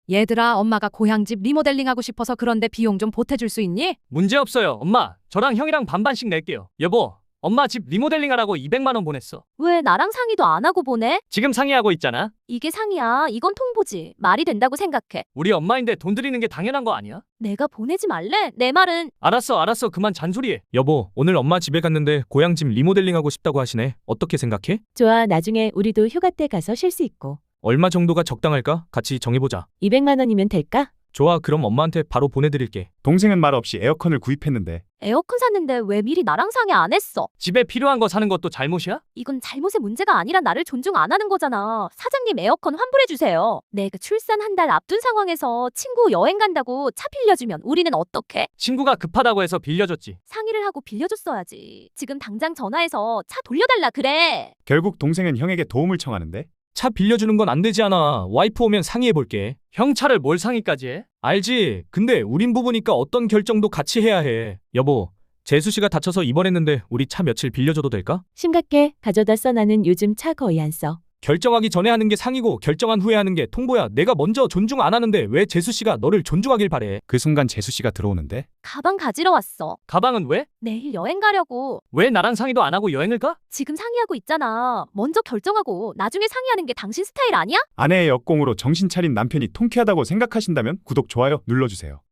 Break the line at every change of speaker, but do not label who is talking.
얘들아, 엄마가 고향집 리모델링하고 싶어서 그런데 비용 좀 보태줄 수 있니?
문제 없어요. 엄마, 저랑 형이랑 반반씩 낼게요. 여보, 엄마 집 리모델링 하라고 200만 원 보냈어.
왜 나랑 상의도 안 하고 보내?
지금 상의하고 있잖아.
이게 상의야. 이건 통보지. 말이 된다고 생각해.
우리 엄마인데 돈 드리는 게 당연한 거 아니야?
내가 보내지 말래? 내 말은
알았어. 그만 잔소리해.
여보, 오늘 엄마 집에 갔는데 고향집 리모델링하고 싶다고 하시네. 어떻게 생각해?
좋아, 나중에 우리도 휴가 때 가서 쉴 수 있고.
얼마 정도가 적당할까? 같이 정해보자.
200만 원이면 될까?
좋아, 그럼 엄마한테 바로 보내드릴게.
동생은 말 없이 에어컨을 구입했는데
에어컨 샀는데 왜 미리 나랑 상의 안 했어?
집에 필요한 거 사는 것도 잘못이야?
이건 잘못의 문제가 아니라 나를 존중 안 하는 거잖아. 사장님 에어컨 환불해 주세요. 내가 출산 한 달 앞둔 상황에서 친구 여행 간다고 차 빌려주면 우리는 어떡해?
친구가 급하다고 해서 빌려줬지.
상의를 하고 빌려줬어야지. 지금 당장 전화해서 차 돌려달라 그래.
결국 동생은 형에게 도움을 청하는데
차 빌려주는 건 안 되지 않아. 와이프 오면 상의해볼게.
형 차를 뭘 상의까지 해?
알지? 근데 우린 부부니까 어떤 결정도 같이 해야 해. 여보, 재수 씨가 다쳐서 입원했는데 우리 차 며칠 빌려줘도 될까?
심각해. 가져다 써. 나는 요즘 차 거의 안 써.
결정하기 전에 하는 게 상이고 결정한 후에 하는 게 통보야. 내가 먼저 존중 안 하는데 왜 재수 씨가 너를 존중하길 바래?
그 순간 재수 씨가 들어오는데
가방 가지러 왔어.
가방은 왜?
내일 여행 가려고.
왜 나랑 상의도 안 하고 여행을 가?
지금 상의하고 있잖아. 먼저 결정하고 나중에 상의하는 게 당신 스타일 아니야?
아내의 역공으로 정신 차린 남편이 통쾌하다고 생각하신다면 구독, 좋아요 눌러주세요.